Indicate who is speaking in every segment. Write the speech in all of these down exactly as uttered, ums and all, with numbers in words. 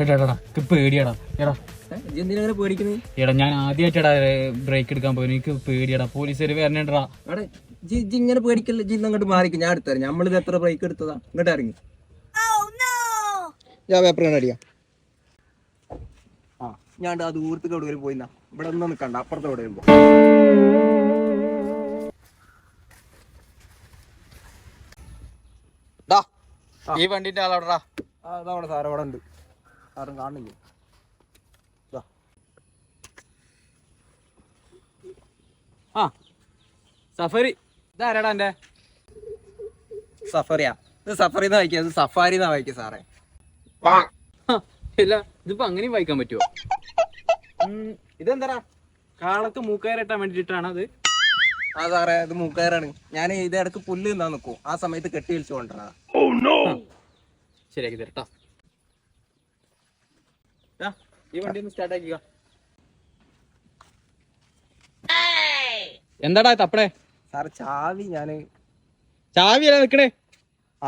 Speaker 1: എടാ പേടിയാടാ. എടാ
Speaker 2: എന്തിനാ പേടിക്കുന്നത്?
Speaker 1: എടാ ഞാൻ ആദ്യമായിട്ടാടാ ബ്രേക്ക് എടുക്കാൻ പോയി. എനിക്ക് പേടിയാടാ. പോലീസുകാർ വരണേടാ.
Speaker 2: അവിടെ ജി ജി ഇങ്ങനെ പേടിക്കല്ലേ. ജി അങ്ങോട്ട് മാറിക്കും, ഞാൻ എടുത്തരാം. നമ്മളിത് എത്ര ബ്രേക്ക് എടുത്തതാ. ഇങ്ങോട്ട് ഇറങ്ങി ഞാൻ പേപ്പർ കണ്ട് അടിയാ. ആ ഞാൻ ആ ദൂരത്തേക്ക് എവിടെയെങ്കിലും പോയിന്നാ. ഇവിടെ ഒന്നും നിൽക്കണ്ട, അപ്പുറത്ത് എവിടെയും പോ.
Speaker 1: ഈ വണ്ടിന്റെ ആളവിടാ.
Speaker 2: അതവിടെ സാറ് അവിടെ ഉണ്ട്. സാറും കാണുന്നില്ല.
Speaker 1: ആ സഫാരി ഇതാരാടാ എന്റെ?
Speaker 2: സഫറിയാ? ഇത് സഫറിന്ന് വായിക്കുക, ഇത് സഫാരിന്നാ വായിക്കുക സാറേ.
Speaker 1: ഇല്ല, ഇതിപ്പോ അങ്ങനെയും വായിക്കാൻ പറ്റുമോ?
Speaker 2: ഇതെന്താ
Speaker 1: കാളക്ക് മൂക്കയറിട്ടാൻ വേണ്ടിട്ടാണ് അത്.
Speaker 2: ആ സാറേ, ഇത് മൂക്കയറാണ്. ഞാൻ ഇത് ഇടക്ക് പുല്ല് നിന്നാ നിൽക്കും, ആ സമയത്ത് കെട്ടി വിളിച്ചു കൊണ്ടുവരണ.
Speaker 1: ശരിയാക്കി തരട്ടാ. ഈ വണ്ടി ഒന്ന് സ്റ്റാർട്ട് ആക്കിക്ക. എന്താടാ തപ്പടേ?
Speaker 2: സാറ് ചാവി ഞാന്
Speaker 1: ചാവിയല്ല നിക്കണേ.
Speaker 2: ആ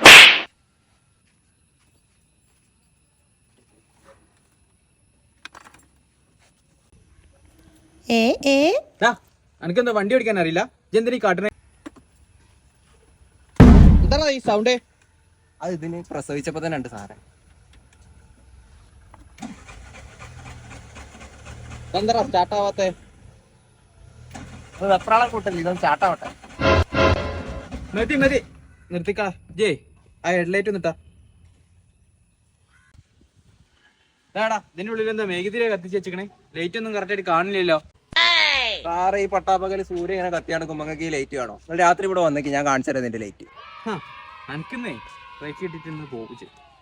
Speaker 1: എനിക്കെന്താ വണ്ടി ഓടിക്കാൻ അറിയില്ല? എന്തിനീ കാട്ടണേ? എന്താ ഈ സൗണ്ട്?
Speaker 2: അത് ഇതിന് പ്രസവിച്ചപ്പോ തന്നെ ഉണ്ട് സാറേ.
Speaker 1: എന്താ സ്റ്റാർട്ട് ആവാത്തെ?
Speaker 2: വെപ്രാളം കൂട്ടല്ലേ, ഇതൊന്ന് സ്റ്റാർട്ടാവട്ടെ.
Speaker 1: മതി മതി നിർത്തിക്കാ. ജേ ആ ഹെഡ്ലൈറ്റ് ഒന്നിട്ടാ. ഏടാ ഇതിന്റെ ഉള്ളിൽ എന്താ മേഘതിരെ കത്തിച്ച് വെച്ചിക്കണേ? ലൈറ്റ് ഒന്നും കറക്റ്റ് ആയിട്ട് കാണില്ലല്ലോ.
Speaker 2: സാറേ, ഈ പട്ടാപ്പകല് സൂര്യ ഇങ്ങനെ കത്തി നടക്കുമ്പോ നിങ്ങൾക്ക് ഈ ലൈറ്റ് കാണോ? നിങ്ങൾ രാത്രി ഇവിടെ വന്നേക്ക്, ഞാൻ കാണിച്ചു തരാം ഇതിന്റെ ലൈറ്റ്.
Speaker 1: എനിക്കുന്നേ ബ്രേക്ക് ഇട്ടിട്ട് പോവിച്ച്.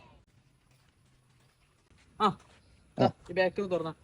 Speaker 1: ആ ഈ ബാക്ക് ഒന്ന് തുറന്നാ.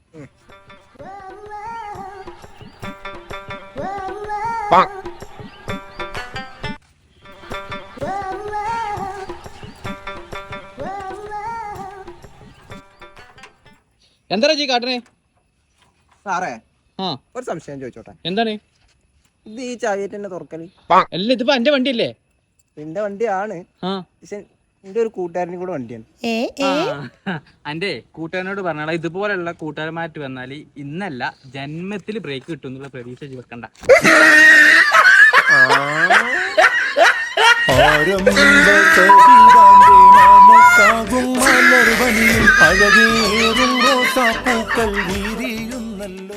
Speaker 1: എന്താ ജി കാട്ടണേ?
Speaker 2: സാറേ
Speaker 1: ആ
Speaker 2: ഒരു സംശയം ചോദിച്ചോട്ടെ.
Speaker 1: എന്താണ്
Speaker 2: ഇത്? ഈ ചാവിയേറ്റ് തന്നെ തുറക്കല്?
Speaker 1: അല്ല, ഇതിപ്പോ എന്റെ വണ്ടിയല്ലേ?
Speaker 2: എന്റെ വണ്ടിയാണ്, പക്ഷെ എന്റെ ഒരു കൂട്ടുകാരനും കൂടെ വണ്ടിയാണ്.
Speaker 1: എന്റെ കൂട്ടുകാരനോട് പറഞ്ഞാൽ ഇതുപോലെയുള്ള കൂട്ടുകാരന്മാര് വന്നാല് ഇന്നല്ല ജന്മത്തിൽ ബ്രേക്ക് കിട്ടും എന്നുള്ള പ്രതീക്ഷ വെക്കണ്ട.
Speaker 3: അഴകേറും റോസാപ്പൂക്കൾ വീരിയുന്നല്ലോ.